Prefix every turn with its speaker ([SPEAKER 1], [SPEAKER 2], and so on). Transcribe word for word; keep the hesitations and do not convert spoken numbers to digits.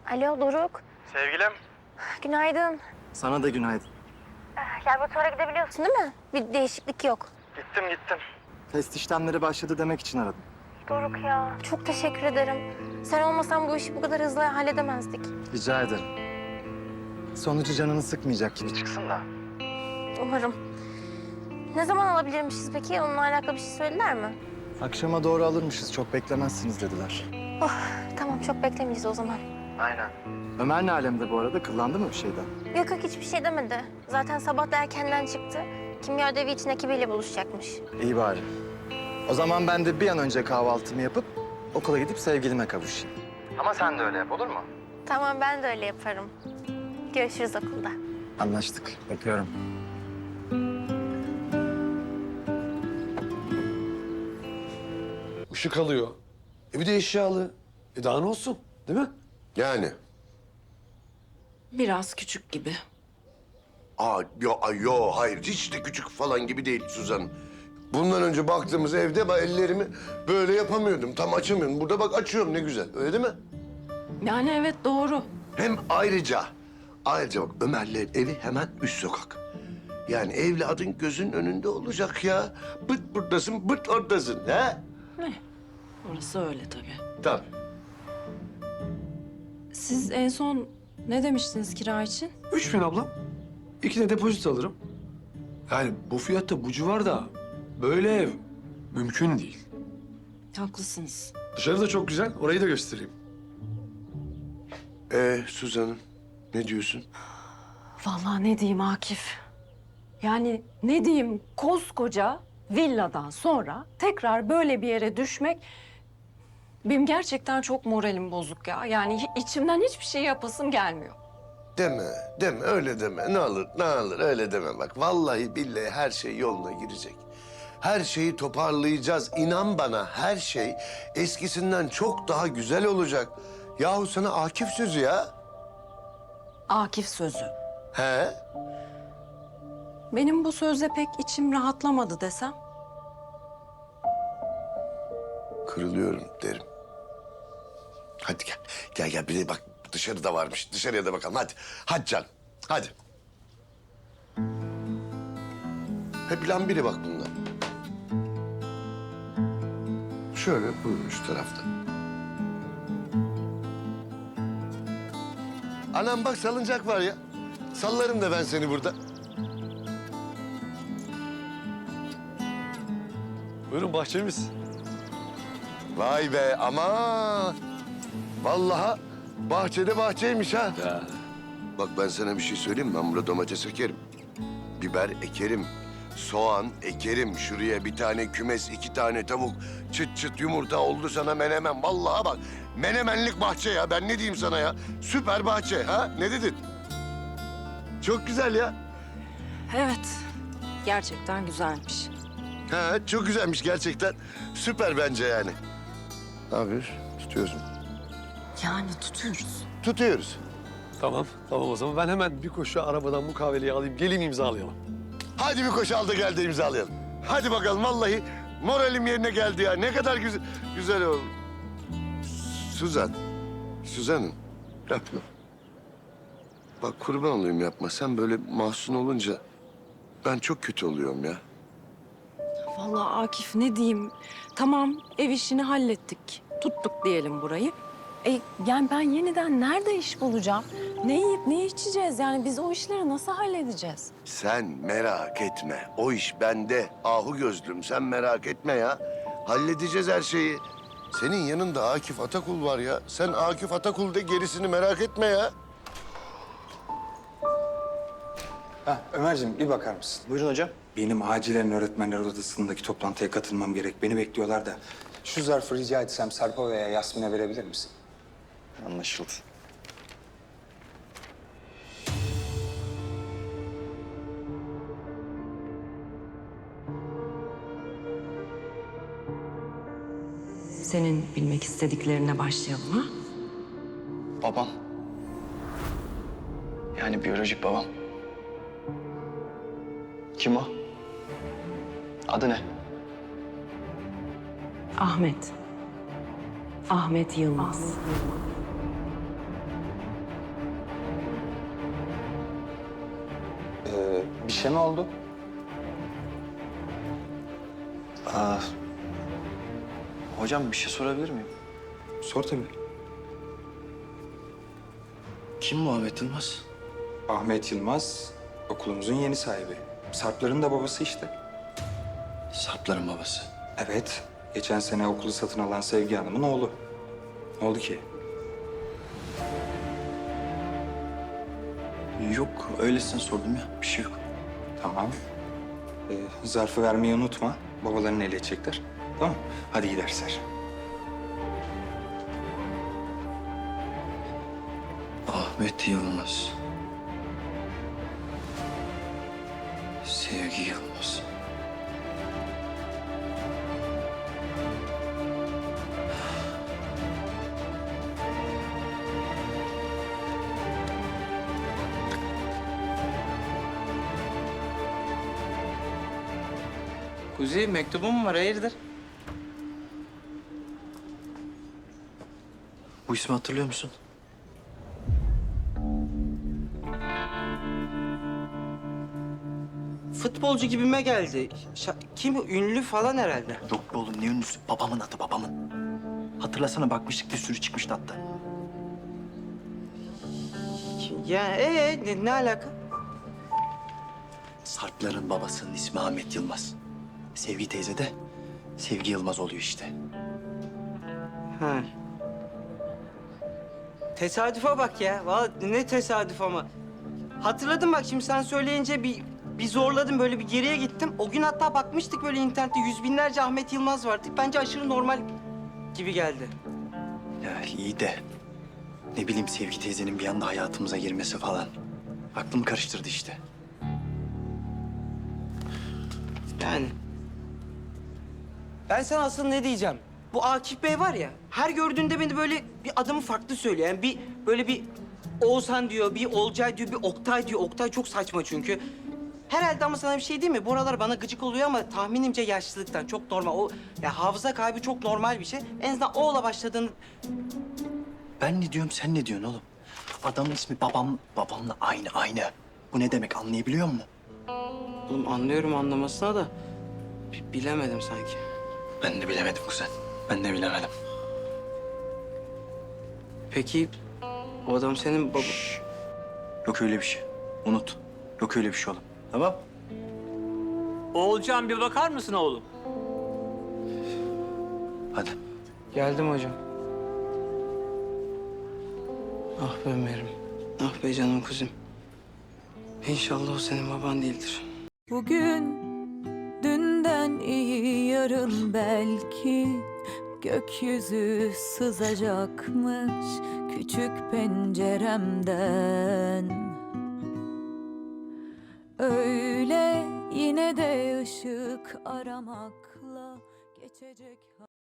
[SPEAKER 1] Alo Doruk.
[SPEAKER 2] Sevgilim.
[SPEAKER 1] Günaydın.
[SPEAKER 2] Sana da günaydın.
[SPEAKER 1] Laboratuvara gidebiliyorsun değil mi? Bir değişiklik yok.
[SPEAKER 2] Gittim gittim. Test işlemleri başladı demek için aradım.
[SPEAKER 1] Doruk ya. Çok teşekkür ederim. Sen olmasan bu işi bu kadar hızlı halledemezdik.
[SPEAKER 2] Rica ederim. Sonucu canını sıkmayacak gibi çıksın da.
[SPEAKER 1] Umarım. Ne zaman alabilirmişiz peki? Onunla alakalı bir şey söylediler mi?
[SPEAKER 2] Akşama doğru alırmışız. Çok beklemezsiniz dediler.
[SPEAKER 1] Oh, tamam çok beklemeyiz o zaman.
[SPEAKER 2] Aynen. Ömer ne alemde bu arada? Kıllandı mı bir şeyden?
[SPEAKER 1] Yok yok hiçbir şey demedi. Zaten sabah da erkenden çıktı. Kimya ödevi için ekibiyle buluşacakmış.
[SPEAKER 2] İyi bari. O zaman ben de bir an önce kahvaltımı yapıp okula gidip sevgilime kavuşayım. Ama sen de öyle yap, olur mu?
[SPEAKER 1] Tamam ben de öyle yaparım. Görüşürüz okulda.
[SPEAKER 2] Anlaştık. Öpüyorum.
[SPEAKER 3] Işık alıyor. E bir de eşyalı. E daha ne olsun, değil mi?
[SPEAKER 4] Yani.
[SPEAKER 5] Biraz küçük gibi.
[SPEAKER 4] Aa, yo, ay, yo, hayır. Hiç de küçük falan gibi değil Suzan. Bundan önce baktığımız evde ben ellerimi böyle yapamıyordum. Tam açamıyorum. Burada bak açıyorum ne güzel. Öyle değil mi?
[SPEAKER 5] Yani evet doğru.
[SPEAKER 4] Hem ayrıca, ayrıca bak Ömer'le evi hemen üst sokak. Yani evladın gözün önünde olacak ya. Bıt buradasın, bıt oradasın. He?
[SPEAKER 5] Ne? Orası öyle tabii.
[SPEAKER 4] Tabii.
[SPEAKER 5] Siz en son ne demiştiniz kira için?
[SPEAKER 3] Üç bin ablam. İki de depozito alırım. Yani bu fiyatta bu civarda böyle ev mümkün değil.
[SPEAKER 5] Haklısınız.
[SPEAKER 3] Dışarı da çok güzel. Orayı da göstereyim.
[SPEAKER 4] Ee, Suzan'ım ne diyorsun?
[SPEAKER 5] Vallahi ne diyeyim Akif? Yani ne diyeyim koskoca villadan sonra tekrar böyle bir yere düşmek... Benim gerçekten çok moralim bozuk ya. Yani hi- içimden hiçbir şey yapasım gelmiyor.
[SPEAKER 4] Deme, deme, öyle deme. Ne olur, ne olur öyle deme bak. Vallahi billahi her şey yoluna girecek. Her şeyi toparlayacağız. İnan bana her şey eskisinden çok daha güzel olacak. Yahu sana Akif sözü ya.
[SPEAKER 5] Akif sözü.
[SPEAKER 4] He?
[SPEAKER 5] Benim bu sözle pek içim rahatlamadı desem.
[SPEAKER 4] Kırılıyorum derim. Hadi gel, gel gel. Bir de bak dışarıda varmış. Dışarıya da bakalım. Hadi, hadi canım. Hadi. Hep plan biri bak bunlar. Şöyle buyurun şu tarafta. Anam bak salıncak var ya. Sallarım da ben seni burada.
[SPEAKER 3] Buyurun bahçemiz.
[SPEAKER 4] Vay be aman. Vallahi bahçede bahçeymiş ha.
[SPEAKER 3] Ya.
[SPEAKER 4] Bak ben sana bir şey söyleyeyim mi? Ben burada domates ekerim. Biber ekerim. Soğan ekerim. Şuraya bir tane kümes, iki tane tavuk. Çıt çıt yumurta oldu sana menemen. Vallahi bak menemenlik bahçe ya. Ben ne diyeyim sana ya? Süper bahçe ha? Ne dedin? Çok güzel ya.
[SPEAKER 5] Evet, gerçekten güzelmiş.
[SPEAKER 4] Ha, çok güzelmiş gerçekten. Süper bence yani. Ne yapıyoruz? Tutuyoruz mu?
[SPEAKER 5] Yani tutuyoruz.
[SPEAKER 4] Tutuyoruz.
[SPEAKER 3] Tamam, tamam o zaman. Ben hemen bir koşu arabadan mukaveleyi alayım. Geleyim imzalayalım.
[SPEAKER 4] Hadi bir koşu al da gel de imzalayalım. Hadi bakalım vallahi moralim yerine geldi ya. Ne kadar güzel güzel oldu. Suzan. Suzan'ım yapma. Bak kurban olayım yapma. Sen böyle mahzun olunca ben çok kötü oluyorum ya.
[SPEAKER 5] Vallahi Akif ne diyeyim? Tamam ev işini hallettik. Tuttuk diyelim burayı. E, yani ben yeniden nerede iş bulacağım? Ne yiyip ne içeceğiz? Yani biz o işleri nasıl halledeceğiz?
[SPEAKER 4] Sen merak etme. O iş bende. Ahu gözlüm sen merak etme ya. Halledeceğiz her şeyi. Senin yanında Akif Atakul var ya. Sen Akif Atakul de gerisini merak etme ya.
[SPEAKER 6] Ha, Ömerciğim bir bakar mısın?
[SPEAKER 7] Buyurun hocam.
[SPEAKER 6] Benim acilen öğretmenler odasındaki toplantıya katılmam gerek. Beni bekliyorlar da. Şu zarfı rica etsem Sarp'a veya Yasmin'e verebilir misin?
[SPEAKER 7] Anlaşıldı.
[SPEAKER 5] Senin bilmek istediklerine başlayalım ha?
[SPEAKER 7] Babam. Yani biyolojik babam. Kim o? Adı ne?
[SPEAKER 5] Ahmet. Ahmet Yılmaz.
[SPEAKER 6] şey mi oldu?
[SPEAKER 7] Aa, hocam bir şey sorabilir miyim?
[SPEAKER 6] Sor tabii.
[SPEAKER 7] Kim Muhammed Yılmaz?
[SPEAKER 6] Ahmet Yılmaz okulumuzun yeni sahibi. Sarpların da babası işte.
[SPEAKER 7] Sarpların babası.
[SPEAKER 6] Evet. Geçen sene okulu satın alan Sevgi Hanım'ın oğlu. Ne oldu ki?
[SPEAKER 7] Yok, öylesine sordum ya. Bir şey yok.
[SPEAKER 6] Tamam. Ee, zarfı vermeyi unutma. Babalarını ele edecekler. Tamam. Hadi iyi dersler.
[SPEAKER 7] Ahmet Yılmaz. Sevgi Yılmaz.
[SPEAKER 8] Kuzi mektubun mu var? Hayırdır?
[SPEAKER 7] Bu ismi hatırlıyor musun?
[SPEAKER 8] Futbolcu gibime geldi. Şa- kim? Ünlü falan herhalde.
[SPEAKER 7] Yok be oğlum, ne ünlüsü? Babamın adı, babamın. Hatırlasana, bakmıştık, bir sürü çıkmıştı hatta.
[SPEAKER 8] Ya ee ne, ne alaka?
[SPEAKER 7] Sarpların babasının ismi Ahmet Yılmaz. Sevgi teyze de Sevgi Yılmaz oluyor işte.
[SPEAKER 8] Ha. Tesadüfe bak ya. Vallahi ne tesadüf ama. Hatırladım bak şimdi sen söyleyince bir bir zorladım böyle bir geriye gittim. O gün hatta bakmıştık böyle internette yüz binlerce Ahmet Yılmaz vardı. Bence aşırı normal gibi geldi.
[SPEAKER 7] Ya iyi de ne bileyim, Sevgi teyzenin bir anda hayatımıza girmesi falan. Aklımı karıştırdı işte.
[SPEAKER 8] Yani. Ben sana asıl ne diyeceğim? Bu Akif Bey var ya, her gördüğünde beni böyle bir adamı farklı söylüyor. Yani bir böyle bir Oğuzhan diyor, bir Olcay diyor, bir Oktay diyor. Oktay çok saçma çünkü. Herhalde ama sana bir şey değil mi? Bu aralar bana gıcık oluyor ama tahminimce yaşlılıktan. Çok normal. O ya hafıza kaybı çok normal bir şey. En azından O'la başladığını...
[SPEAKER 7] Ben ne diyorum, sen ne diyorsun oğlum? Adamın ismi babam, babamla aynı, aynı. Bu ne demek, anlayabiliyor musun?
[SPEAKER 8] Oğlum anlıyorum anlamasına da bi- bilemedim sanki.
[SPEAKER 7] Ben de bilemedim kuzen. Ben de bilemedim.
[SPEAKER 8] Peki o adam senin baba...
[SPEAKER 7] Yok öyle bir şey. Unut. Yok öyle bir şey oğlum. Tamam?
[SPEAKER 9] Oğulcan bir bakar mısın oğlum?
[SPEAKER 7] Hadi.
[SPEAKER 8] Geldim hocam. Ah be Ömer'im. Ah be canım kuzum. İnşallah o senin baban değildir.
[SPEAKER 10] Bugün dünden iyi yarın belki gökyüzü sızacakmış küçük penceremden. Öyle yine de ışık aramakla geçecek.